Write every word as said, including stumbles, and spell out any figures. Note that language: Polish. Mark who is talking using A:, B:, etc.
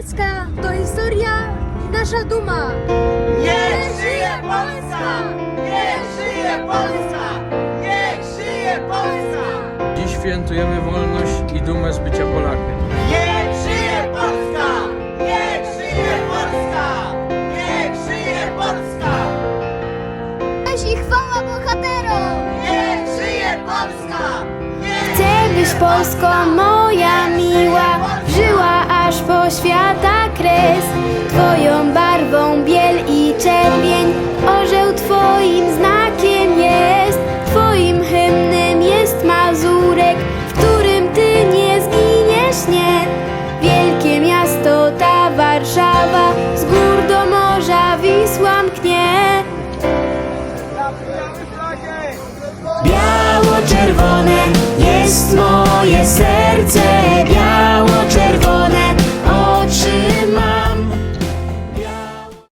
A: Polska to historia i nasza duma.
B: Niech żyje Polska! Niech żyje Polska! Niech żyje Polska!
C: Dziś świętujemy wolność i dumę z bycia Polakiem.
B: Niech żyje Polska! Niech żyje Polska! Niech żyje Polska!
A: Cześć i chwała bohaterom!
B: Niech żyje Polska! Niech
D: Chcę, byś Polsko moja miła żyła aż po świata kres. Twoją barwą biel i czerwień, orzeł Twoim znakiem jest. Twoim hymnem jest Mazurek, w którym Ty nie zginiesz, nie. Wielkie miasto ta Warszawa, z gór do morza Wisła mknie.
E: Biało-czerwone jest moje serce, białe.